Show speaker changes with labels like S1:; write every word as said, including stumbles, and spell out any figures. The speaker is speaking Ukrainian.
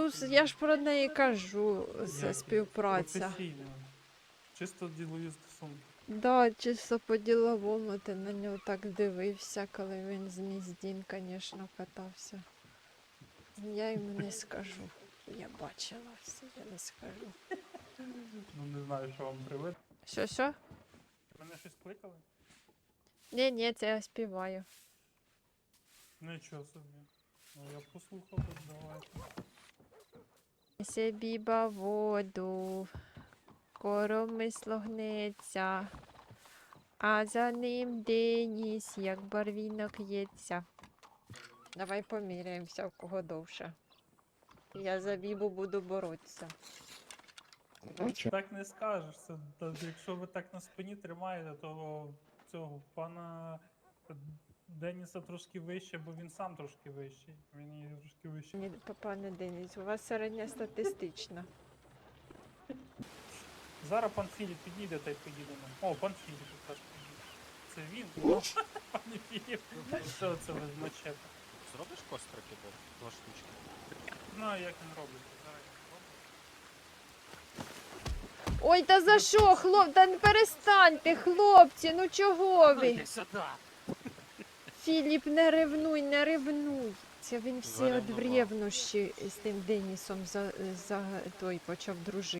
S1: Ну, с- я ж про неї кажу, це
S2: Як?
S1: співпраця.
S2: Професійно. Чисто ділові стосунки.
S1: Да, чисто по-діловому ти на нього так дивився, коли він з Міздін, звісно, катався. Я йому не скажу. Я бачила все, я не скажу.
S2: Ну не знаю, що вам привид.
S1: Що, що?
S2: Мене щось кликали?
S1: Ні, ні, це я співаю.
S2: Нічого собі. Ну я послухав, давайте.
S1: Несе біба воду, коромисло гнеться, а за ним Деніс, як барвінок ється. Давай поміряємося, в кого довше. Я за бібу буду боротися.
S2: Так не скажеш. Це, та, якщо ви так на спині тримаєте, то цього пана Деніса трошки вище, бо він сам трошки вищий. Він є трошки вищий.
S1: Ні, пане Деніс, у вас середньостатистична.
S2: Зараз пан Філіп підійде та й поїдемо. О, пан Філіп теж підійде. Це він? Пане Філіп. Що це ви з мачете?
S3: Зробиш кострики, бо два штучки.
S2: Знаю, як він робить. Зараз він робить.
S1: Ой, та за що, хлоп? Та не перестаньте, хлопці, ну чого ви?
S3: Іди сюди!
S1: Філіп, не ревнуй, не ревнуй. Це він всі
S3: Заревнував.
S1: од ревнощі з тим Денісом за, за той почав дружити.